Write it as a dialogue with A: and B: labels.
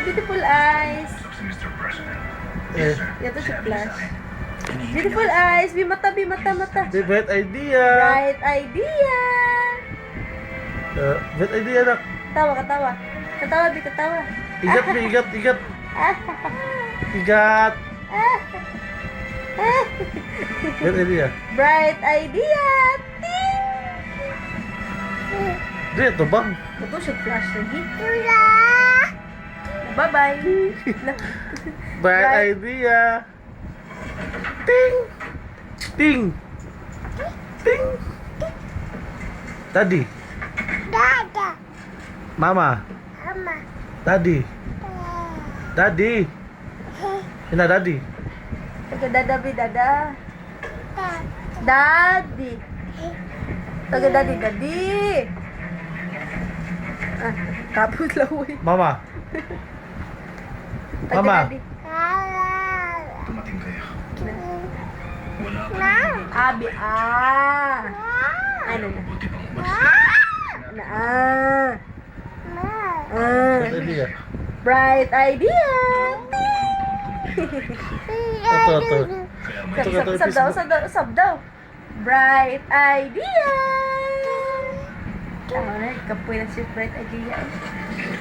A: beautiful eyes.
B: Eh,
A: Ito si Flash. Beautiful eyes. Mata.
B: the bright idea.
A: Bright idea.
B: Bright idea nak.
A: Katawa. Katawa.
B: Igat. Igat. Bright idea.
A: Bright idea. Ting.
B: Dia to bang.
A: Ito si Flash lagi. Bye-bye.
B: Bright idea. Ting. Tadi. Mama. Tadi. Ina tadi.
A: Taga dada bi dada. Daddy. Taga daddy. Tapos lang uy.
B: Mama.
A: Taga
B: Mama.
A: daddy.
C: Dumating kayo.
A: Abi Ano na?
C: Buti pang umalis.
B: Bright idea.
A: Bright idea.
B: Ito.
A: Sab daw. Bright idea. Kapoy na si bright idea.